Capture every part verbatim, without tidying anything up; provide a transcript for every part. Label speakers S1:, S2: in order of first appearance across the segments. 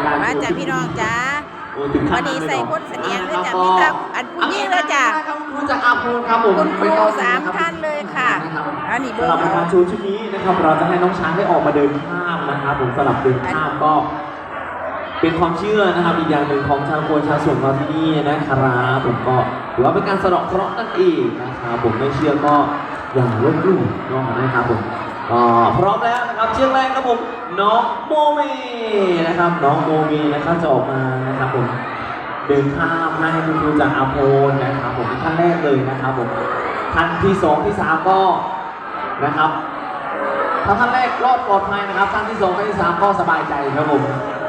S1: การ
S2: มาจากพี่น้องจ้า
S1: โอ้ถึงขั้
S2: วัน น
S1: นั้น
S2: นี้
S1: เลย
S2: ใส่
S1: เหรอ
S2: คนเสนียงด้วยจ้ะ
S1: ก็
S2: มีแต่อันผู้หญิงเลยจ้ะ
S1: ครับครูจากอาภูครับผม
S2: คุณครู
S1: ไต้อง
S2: สาม
S1: ะรับ
S2: ท่านเลยค่ะ
S1: นะครับ
S2: อันนี้เบอ
S1: สำหรับ
S2: ร์
S1: ในการชูชุดนี้นะครับเราจะให้น้องช้างได้ออกมาเดินข้ามนะครับผมสลับเดินข้ามก็ เป็นความเชื่อนะครับอีกอย่างหนึ่งของชาวโคชาวสวนเราที่นี่นะครับผมก็ถือว่าเป็นการสะเดาะเคราะห์นั่นเองนะครับผมไม่เชื่อก็อย่าลบหลู่เนาะนะครับผมก็พร้อมแล้วนะครับเชือกแรกครับผมน้องโมเมนะครับน้องโมเมนะครับจะออกมานะครับผมเดินข้ามให้คุณครูจากอาโพนนะครับผมเป็นท่านแรกเลยนะครับผมท่านที่สองที่สามก็นะครับถ้าท่านแรกรอดปลอดภัยนะครับท่านที่สองท่านที่สามก็สบายใจครับผม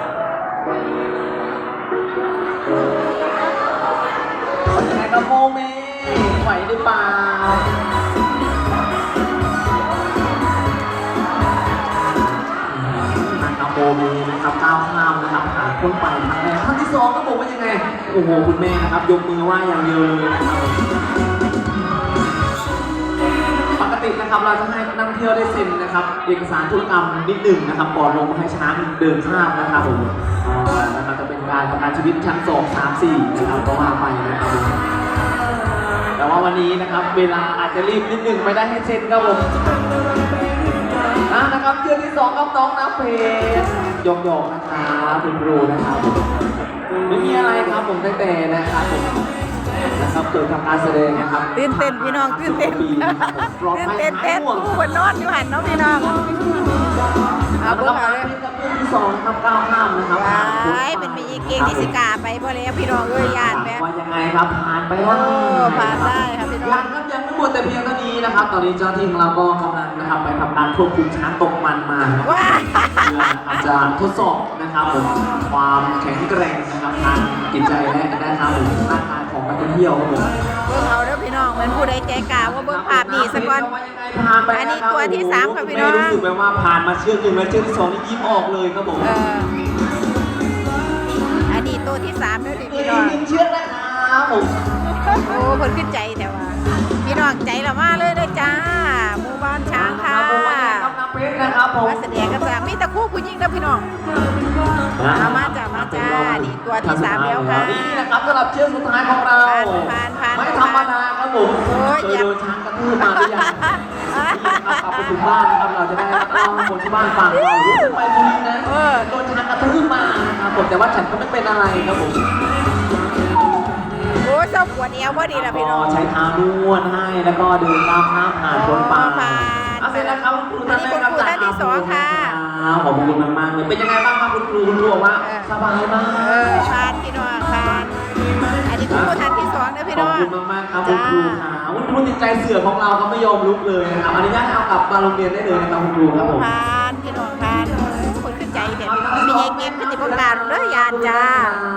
S1: เป็นยังไงครับโมเมไหวหรือเปล่านะครับโมเมนะครับก้าวข้ามนะครับผ่านพ้นไปทางแรกท่านที่สองก็บอกว่ายังไงโอ้โหคุณแม่นะครับยกมือไหว้อย่างเดียวเลยนะครับปกตินะครับเราจะให้นักท่องเที่ยวได้เซ็นนะครับเอกสารธุรกรรมนิดหนึ่งนะครับก่อนลงมาให้ช้างเดินข้ามนะครับผมนะครับจะเป็นการประกันชีวิตชั้นสองสามสี่นะครับก็ว่าไปนะครับผมแต่ว่าวันนี้นะครับเวลาอาจจะรีบนิดหนึ่งไม่ได้ให้เซ็นครับผมอ่ะนะครับเชือกที่สองกับน้องน้ำเพชรยกยกนะครับคุณครูนะครับผมไม่มีอะไรครับผมตั้งแต่นะครับผมนะครับเกิดทำการแสดงนะครับ
S2: ตื่นเต้นพี่น้องตื่นเต้นตื่นเต้นเต้นผู้คนนอนอยู่หันเนาะพี่น้องเอา
S1: เอา
S2: พว
S1: เบ
S2: ก
S1: อ
S2: เอา
S1: ร์
S2: เลย
S1: กับเรื่องที่สองนะครับก้าวข้ามนะครับ
S2: ว้ายเป็นมีเก่งที่สิกาไปพอแล้วพี่น้องเอ้ยยานแม่
S1: ว่ายังไงครับผ่านไปได้
S2: โอ้ผ่านได้ครับพี่น้อง
S1: ยังครับยังไม่หมดแต่เพียงเท่านี้นะครับ ตอนนี้เจ้าที่ของเราก็กำลังนะครับไปทำการควบคุมช้างตกมันมานะครับ
S2: ว้า
S1: เพื่ออาจจะทดสอบนะครับผมความแข็งแกร่งนะครับทางจิตใจและนะครับผมร่างกายของนักท่องเที่ยวครับผม
S2: เบิ่งเอาเด้อพี่น้องเหมือนผู้ใดใจกล้าว่าเบิ่งภาพนี้สักก่อน อันนี้ตัวที่สามค่ะพี่น้อง
S1: ไม่รู้สึกแบบว่าผ่านมาเชือกหนึ่งแล้วเชือกที่สองนี่ยิ้มออกเลยครับผม
S2: เอออันนี้ตัวที่สามเด้อดิ
S1: ตัว
S2: พี่
S1: อี
S2: น้อก ง
S1: หนึ่งเชือกนะครับผม
S2: โอ้เพิ่นขึ้นใจแต่ว่าพี่น้องใจละมาเลยเด้อจ้าหมู่บ้านช้างค่ะ
S1: ครับน้ำเพชรนะครับผม
S2: มาแสดงกันจ้ามีแต่คู่ผู้หญิงเด้อพี่น้องเอามาจ้ามาจ้านี่ตัวที่สามแล้วค่ะ
S1: นี่นะครับสำหรับเชือกสุดท้ายของเรา
S2: ผ่านผ่านผ่าน
S1: ไม่ธรรมดาครับผม
S2: โอ้ย
S1: เคยโดนช้างกระทืบมาหรือยังนี่นะครับกลับไปถึงบ้านนะครับเราจะได้เล่าให้คนที่บ้านฟังเรารู้สึกไปบุรีนะ
S2: เออ
S1: โดนช้างกระทืบมานะครับผมแต่ว่าฉันก็ไม่เป็นอะไรครับผม
S2: โอ้ยเจ้าปวดเอวพอดีล่ะพี่น้อง
S1: ก็ใช้เท้านวดให้แล้วก็เดินก้าวข้ามผ่านพ้นไป
S2: ผ่าน
S1: เอาเสร็จแล้วครับคุณครู
S2: อันนี้คุณครูท่านที่สองค่ะ
S1: ขอบคุณมากๆเลยเป็นยังไงบ้างครับคุณครูคุณครูบอกว่า
S2: เออ
S1: สบายมาก
S2: เออผ่านพี่น้องผ่านอันนี้คุณครูท่านที่สองนะพี่
S1: ข
S2: น้
S1: อ
S2: อบ ง
S1: คุณมากๆครับคุณครูค่ะคุณครูติดใจเสือของเราก็ไม่ยอมลุกเลยนะครับอนุญาตเอากลับมาโรงเรียนได้เลยนะครับคุณครูครับผม
S2: ผ่านพี่น้องผ่านคนขึ้นใจแต่พี่น้องมีเก่งขึ้นในวงการเด้อยานจ้า